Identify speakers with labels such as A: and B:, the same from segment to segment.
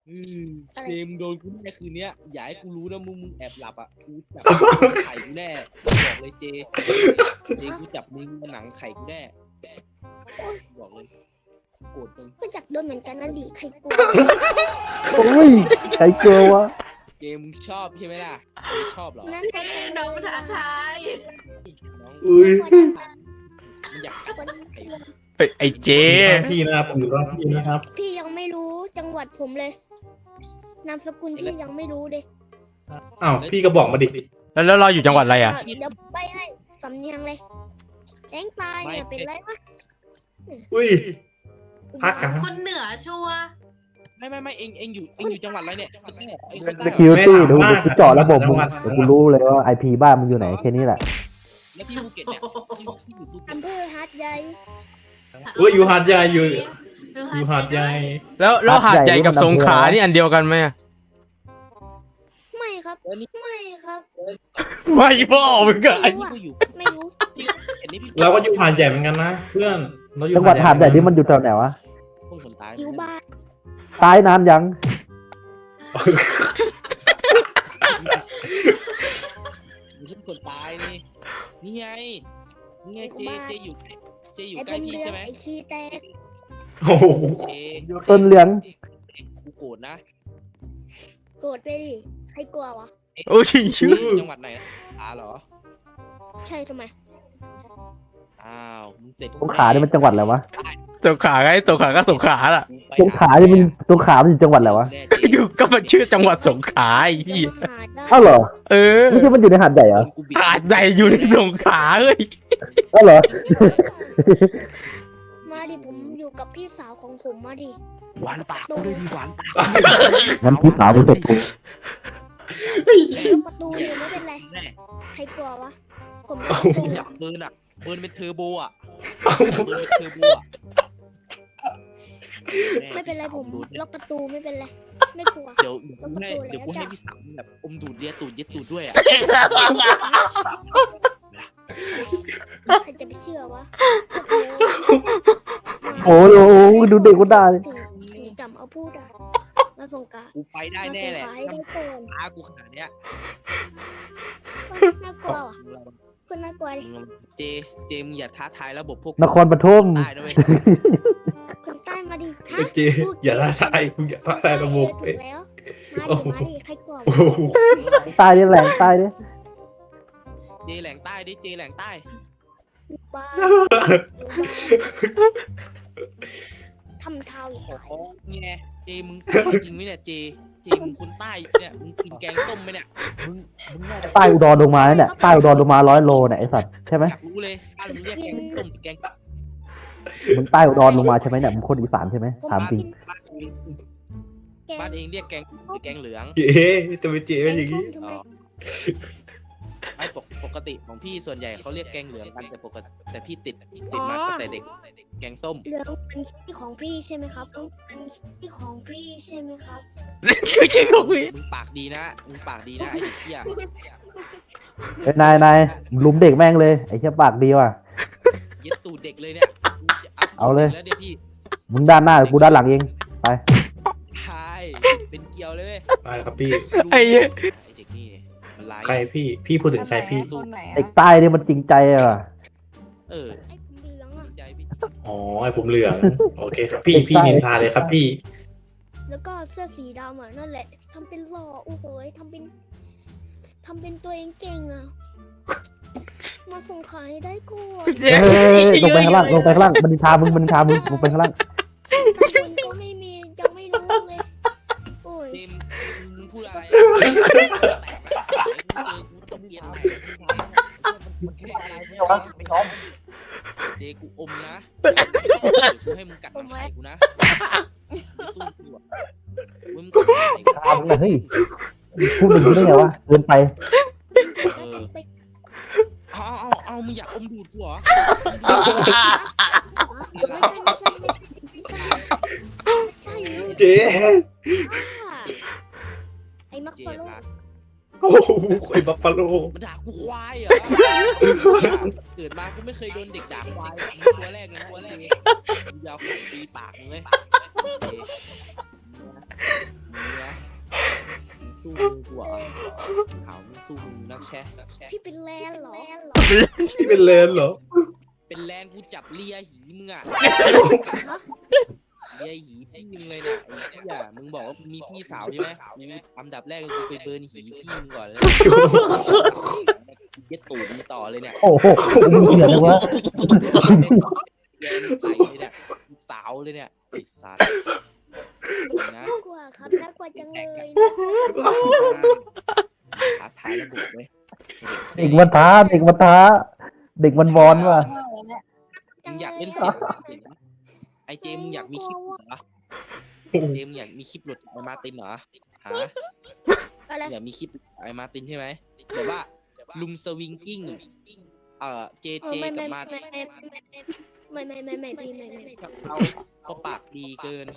A: อืมเจมส์โดนกูแน่คืนเนี้ยอย่าให้กูรู้นะมึงแอบหลับอ่ะกูจับไข่กูแน่บอกเลยเจกูจับมึงมาหนังไข่กูแน่บอกเลยโกรธมึง
B: ก็จักโดนเหมือนกันนะดิใครกลัว
C: โอ้ยใครกลัววะ
A: เจมมึงชอบใช่ไหมล่ะไม่ชอบหรอ
B: นั่นก็เป็น
D: น้องมาท้าทาย
A: น้อง
E: อุ้ย
A: มึงอยากกัดไข่
F: เฮ้ยไอ้เจ
E: พี่นะครับผมอยู่ข้างพี่นะครับ
B: พี่ยังไม่รู้จังหวัดผมเลย นามสกุลพี่ยังไม่รู้เลย
E: อ้าวพี่ก็บอกมาดิ
F: แล้วเราอยู่จังหวัดอะไรอ่ะ
B: เดี๋ยวไปให้สำเนียงเลยแดงตายเนี่ยเป็นไรวะ
E: อุ้ย พักกัน
D: คนเหนือชัวร์
A: ไม่เองอยู่จังหวัดอะไรเนี่ยไอ้คน
C: ส
A: ใต้
C: กิล
A: เหรอ
C: ตี้เดี๋ยวกูเจาะระบบมึงเดี๋ยวกูรู้เลยว่าไอพีบ้านมึงอยู่ไหนแค่นี้แหละ
A: แล้วพี่ภูเก็ตเนี่ยที่อยู่ภูเก็ต
B: อำเภอหาดใหญ่
E: อุ้ยอยู่หาดใหญ่อยู่หาดใหญ่
F: แล้วหาดใหญ่กับสงขลานี่อันเดียวกันไหมอะ
B: ไม่ครับไม่ครับ
F: ไม่พ่อมึงก็
B: ไม่
A: ไอ้
B: รู้
A: นี่
B: อะ
A: ก็อยู่
B: ไม่รู้
A: พี่เห็นนี่พี่
E: เราก็อยู่หาดใหญ่เหมือนกันนะเพื่อนเราอยู่
C: จังหวัดหาดใหญ่นี่มันอยู่แถวไหนวะ
A: พวกคนตาย
B: อยู่บ้าน
C: ตายนานยัง
A: มึงเป็นคนตายนี่ไงเจอยู่
B: ไอ้
A: ใก
B: บ
A: ล้
B: น
A: พี่
B: เรือ
A: ใช่ไหม
B: ไอ้ขี้แตก
E: โอ้โห
A: เจ
C: ต้นเหลือง
A: กูโกรธนะ
B: โกรธไปดิใครกลัววะ
F: โอ้ยชื่อ
A: จังหวัดไหนนะเหรอ
B: ใช่ทำไม
A: อ้าวมึงเสร็จ
C: สงขลานี่มันจังหวัดอะไรวะ
F: สงขลาไงสงขลาก็สงขลาล่ะ
C: สงขลานี่มันสงขลามันอยู่จังหวัดอะไรวะ
F: อยู่ก็มันชื่อจังหวัดสงขลาไอ้
B: จะ
F: เหี้ย
B: มาหาได้
C: อ้าวเหรอ
F: เออ
C: ไม่ใช่มันอยู่ในหาดใหญ่เหรอ
F: หาดใหญ่อยู่ในสงขลาเอ้ย
C: อ้าวเหรอ
B: มาดิผมอยู่กับพี่สาวของผมมาดิ
A: หวานปากกูเลยดีหวานปาก
C: งั้นพี่สาวมึงเสร็จกู
B: ล็อกประตูอยู่ไม่เป็นไร
A: แน่
B: ใครกลัววะ ผมล็อกประตู
A: จับปืนอ่ะปืนเป็นเทอร์โบอ่ะปืนเป็นเทอร์โบอ่ะ
B: ไม่เป็นไรผมล็อกประตูไม่เป็นไร ไม่กลัว
A: เดี๋ยวกูให้พี่สาวแบบอมดูดเลียตูดเย็ดตูดด้วยอ่ะ
B: ใครจะไปเชื่อวะ
C: โอ้โหดูเด็กกูได้เลย
B: ถึงจำเอาพูดอ่ะมาส่งกา
A: กูไปได้แน่แหละ
B: มาส่งกาให้ได้ก่อน
A: ตากูขนาดเนี้ย
B: น่ากลัวว่ะคนน่ากลัวดิ
A: เจมึงอย่าท้าทายระบบพวก
C: นครปฐม
A: ได้ด้วย
B: คนใต้มาดิฮะ
E: เจอย่าท้าทายมึงอย่าท้าทายระบบ
B: ถูกแล้วมาดิใครกลัว
E: โอ้โห
C: ตายดิแหลงตายดิ
A: เจแหลงใต้ดิเจแหลงใต้
B: บ้าทำเท้าอีก
A: ข
B: ห
A: อ
B: น่อย
A: ไงเจมึงจริงไหมเนี่ยเจมึงคนใต้เนี่ยมึงกินแกงต้มไหมเนี่ย
C: ใต้อุดรลงมาเนี่ยใต้อุดรลงมา100 โลเนี่ยไอสัตว์ใช่ไหม
A: อยากรู้เลยบ้านมึงเรียกแกงต้มแกง
C: มึงใต้อุดรลงมาใช่ไหมเนี่ยมึงคนอีสานใช่ไหม
B: ผม
C: ถามจริง
B: กินแก
A: บ้านเองเรียกแกงเหลือง
E: เจ๊จะไปเจ๊เป็นอย่าง
B: ส้
E: นี้
B: มทำไม
A: ไม่ปกติของพี่ส่วนใหญ่เขาเรียกแกงเหลืองกันแต่ปกติแต่พี่ติดมาตั้งแต่เด็กแกงส้ม
B: เหลืองเป็นที่ของพี่ใช่ไหมครับต้องเป็นที่ของพี่ใช่ไหมครับ
F: ไม่ใช่ของพี่
A: มึงปากดีนะไอ้เด็กเหี้ย
C: เอ้ยนายลุมเด็กแม่งเลยไอ้เชี่ยปากดีว่ะ
A: เย็ดตูดเด็กเลยเนี่ย
C: เอาเลย
A: แล้วเดี๋ยวพี่
C: มึงด้านหน้ากูด้านหลังเองไป
A: ทายเป็นเกียวเลยเว้ย
E: ไปครับพี่
F: ไอ้เหี้ย
A: ไอ้เด็กนี่มันร้าย
E: ใครพี่พูดถึงใครพี่
D: คนไหน
C: เด็กใต้นี่มันจริงใจอะว่ะ
A: เออ
B: ไอ้ผมเหลืองอ่ะ
A: ดีใจพี่
E: อ๋อไอ้ผมเหลืองโอเคครับพี่นินทาเลยครับพี่
B: แล้วก็เสื้อสีดำอ่ะนั่นแหละทำเป็นหล่อโอ้โหทำเป็นตัวเองเก่งอ่ะมาส่งขายได้ก่อน
C: เฮ้ยลงไปข้างล่างมันนินทามึงลงไปข้างล่าง
B: ตำบลก็ไม่มียังไม่รู้เลยโอ้ย
A: เจมมึงพูดอะไรเจอกูตบเย็นเจกูอมนะกูให้มึงกัดหนังไข่กูนะไม่สู้กูอ่ะมึงกัดหนังไข่กู
C: ทามึงเลยเฮ้ยพูดอย่างนี้ได้ไงวะเกินไป
B: ไป
A: เอามึงอยากอมดูดกูเหรอ
B: ไม่ใช่
E: เจ๊
B: ไอ้มัก
A: เจ
B: ฟาโล
A: รัก
E: โอ้โหไอ้บัฟฟาโล
A: มันด่ากูควายเหรอเกิดมากูไม่เคยโดนเด็กด่าควายตัวแรกเลยกูยาวไข่ตีปากมึงเลยสู้มึงกูเหรอขาวมึงสู้มึงนักแชะ
B: พี่เป็นแลนเหรอ
E: ที่เป็นเลนเหรอ
A: เป็นแลนกูจับเลียหีมึงอะเลียหีพี่มึงเลยเนี่ยไอ้เหี้ยมึงบอกว่ามีพี่สาวใช่ไหมกูอันดับแรกกูไปเบิร์นหีพี่มึงก่อนเลยเย็ดตูดมึงต่อเลยเนี่ย
C: โอ้โหมึงเหี้ยเลยวะ
A: เลียใส่เลยเนี่ยสาวเลยเนี่ยไอ้สัตว์นะ
B: น่ากลัวครับน่ากลัวจังเลย
A: ท้าทายระบบเว้ย
C: เด็กมันท้าเด็กมันท้าเด็กมันบอลว่ะ
A: มึงอยากเล่นเสียงไอเจมึงอยากมีคลิปเหรอเจมึงอยากมีคลิปหลุดไอมาตินเหรอฮะ
B: อะไร
A: อยากมีคลิปไอมาตินใช่ไหมแบบว่าลุมสวิงกิ้งเจกับมาติน
B: ไม่พี่
A: เขาปากดีเกิน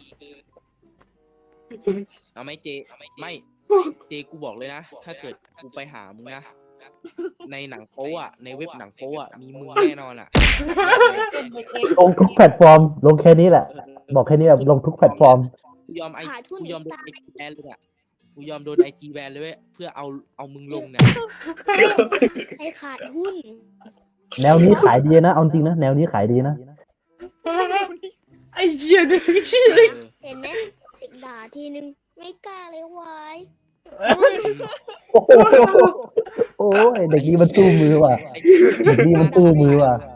A: เอาไหมเจไม่เจกูบอกเลยนะถ้าเกิดกูไปหามึงนะในหนังโป๊อะในเว็บหนังโป๊อะมีมึงแน่นอนอะ
C: ลงทุกแพลตฟอร์มลงแค่นี้แหละ บอกแค่นี้แบบลงทุกแพลตฟอร์ม
A: กูยอมโดนไอจีแบนเลยอะกูยอมโดนไอจีแบนเลยเว้ยเพื่อเอามึงลงเนี่ย
B: ไอ้ขาดหุ้น
C: แนวนี้ขายดีนะเอาจริงนะแนวนี้ขายดีนะ
F: ไอ้เหี้ยนี่ชื่อ
B: เห็นไหมเด็กด่าทีนึงไม่กล้าเลยวาย
C: โอ้โหโอ้ยเด็กนี้มันสู้มือว่ะเด็กนี้มันสู้มือว่ะ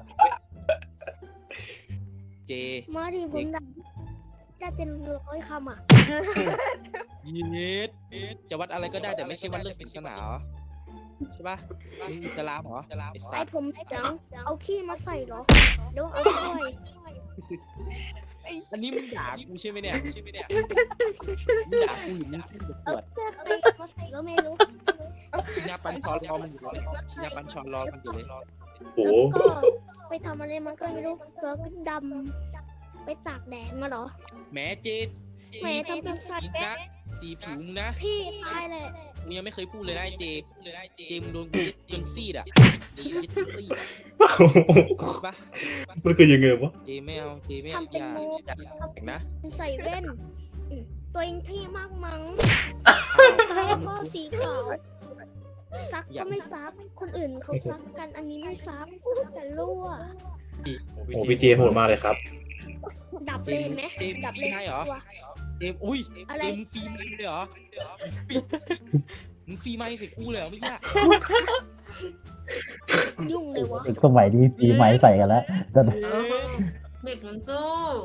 A: เจ
B: มาดิผมด่าได้เป็น100 คำอ่ะ
A: ยีเนสจะวัดอะไรก็ได้แต่ไม่ใช่วัดเรื่องศาสนาเหรอใช่ปะมึงอิสลามเหรอไอ้สั
B: ไอ้
A: ตว์
B: ผมเสียงเอาขี้มาใส่เหรอเดี๋ยวเอาถ้วย
A: อันนี้มึงด่ากูใช่ไหมเนี่ยมึงด่ากูหรือมึงขึ้นประก
B: เอา
A: วด
B: เสื้อใครมาใส่ก็ไม่รู้
A: ชินาปันชอนรอมันอยู่เลยชินาปันชอนรอมันอยู่เลย
E: โอ้
B: แล้วก็ไปทำอะไรมันก็ไม่รู้ตัวก็ดำไปตากแดดมาเหรอ
A: แหมเจ
B: แหมทำเป็นสัตว์
A: นะสีผิวมึงนะ
B: พี่ตายแหละ
A: มึงยังไม่เคยพูดเลยนะไอ้เจมึงโดนกูยึดจนซีดอ่ะสียึดจนซีดใช่ปะ
E: มันคือยังไงวะ
A: เจไม่เอาอย่าแต่งนะ
B: ใส่แว่นตัวเองเท่มากมั้งแล้วก็สีขาวซักก็ไม่ซักคนอื่นเขาซักกันอันนี้ไม่ซักจะรั่ว
E: โอ้พี่เจโหดมากเลยครับ
B: ดับเลยไหมดับเลยตัว
A: เจมอุ้ย
B: อะไร
A: เจมมึงฟรีไมค์เลยเหรอมึงฟรีไมค์ใส่กูเลยเหรอไม่ใช่
B: ยุ่งเลยวะ
C: เด็กสมัยนี้ปีใหม่ใส่กันแล้วแต่
D: เด็กมันสู้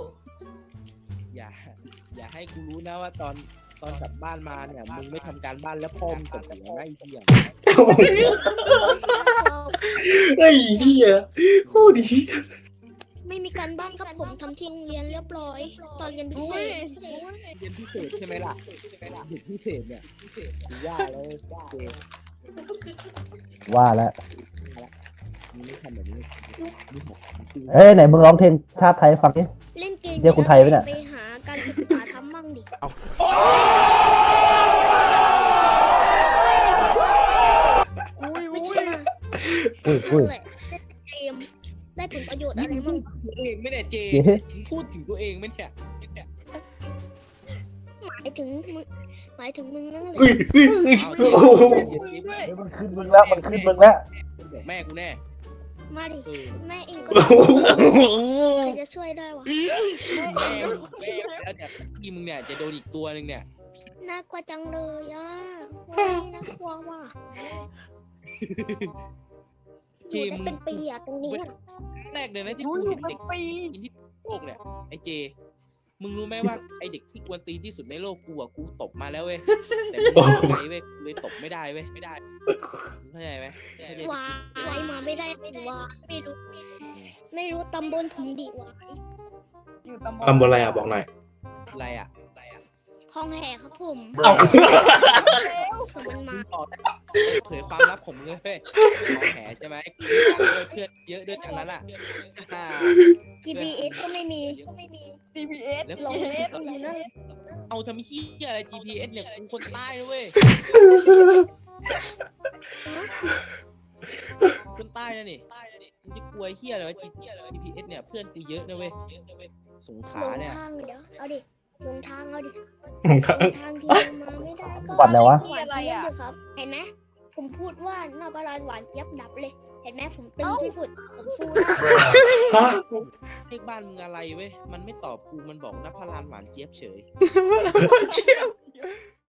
A: อย่าให้กูรู้นะว่าตอนกลับบ้านมาเนี่ยมึงไม่ทำการบ้านแล้วพ่อมึงตบหัวนะไอ้เหี้ย
E: ไอ้เหี้ยโคตรดี
B: ไม่มีการบ้านครับผมทำที่โรงเรียนเรียบร้อย ตอนเรียนพิเศษ
A: เรียนพิเศษใช่ไหมล่ะเด็กพิเศษเนี่ยกูว่าแล้วเจ
C: ว่าแล้ว
A: มึงไม่ทำแบบนี้มึงบอกจริง
C: เอ้ยไหนมึงร้องเพลงชาติไทยฟังดิ
B: เล่นเกม
C: เรียกคนไทยไหมเนี่ย
B: ไปหาการศึกษาทำมั่งดิไม่ใช่นะ
C: อุ้ย
B: นั่นแหละเกมได้ผลประโยชน์อะไรมั่ง
A: ตัวเองไม่เนี่ยเจมึงพูดถึงตัวเองไหมเนี่ย
B: หมายถึงมึงนั่นแหละ
E: อุ้ยอุ้ย
A: เอา
E: โอ้โห
C: เฮ้ยมันขึ้นมึงแล้วมันขึ้นมึงแล้ว
A: แม่กูแน่
B: มาดิ
A: เออ
B: แม่เองก็
E: โอ้โห
B: ใครจะช่วยได้วะ
A: แม่แล้วเนี่ยพี่มึงเนี่ยจะโดนอีกตัวหนึ่งเนี่ย
B: น่ากลัวจังเลยอ่ะโอ้ยน่ากลัวว่ะ
A: เจ
B: อยู่
A: มึ
B: ได้
A: ง
B: เป็นปีอ่ะตรงนี้อะ
A: แรกเลยนะที่กูเห็นเด็กที่โลกเนี่ยไอ้เจ มึงรู้ไหมว่าไอเด็กที่กวนตีนที่สุดในโลกกูอ่ะกูตบมาแล้วเว้ยแต่มึงไม่ได้เว้ยกูเลยตบไม่ได้เว้ยไม่ได้มึงเข้าใจไหมเข้าใจ
B: วาอะไรมาไม่ได้หรือว่าไม่รู้ตำบลผมดีวะ
D: อยู่ตำบล
E: ทำอะไรอ่ะบอกหน่อย
A: อะไรอ่ะ
B: คลองแห่ครับผม
F: เอา
B: สมันมา
A: บอกได้เผยความลับผมเลยเว้ยของแผลใช่ไหมเพื่อนเยอะด้วยกันนั้นอ่ะ
B: GPS ก็ไม่มี
D: GPS
A: แล้ว
B: หลงอยู่นั่น
A: เอาทำเฮียอะไร GPS เนี่ยกูคนใต้นะเว้ยคนใต้นะนี่มึงจะกลัวเฮียอะไรวะ GPS เนี่ยเพื่อนกูเยอะนะเว้ยสงข
B: หล
A: ลาง เนี่ย
B: ทางเดี๋ยวเอาดิหลงทางเอาดิ
E: ผมครับ
B: ทางที่มาไม่ได้ก็
C: บัตรแล้ววะ
B: หวานเจี๊ยบเลยครับ เห็นไหมผมพูดว่าหน้าบาลานหวานเจี๊ยบดับเลย เห็นไหมผมตึงที่สุดผมสู้ได้
E: ฮะ
A: เลขบ้านมึงอะไรเว้ยมันไม่ตอบกูมันบอกนภรานหวานเจี๊ยบเฉย
F: เจี๊ยบ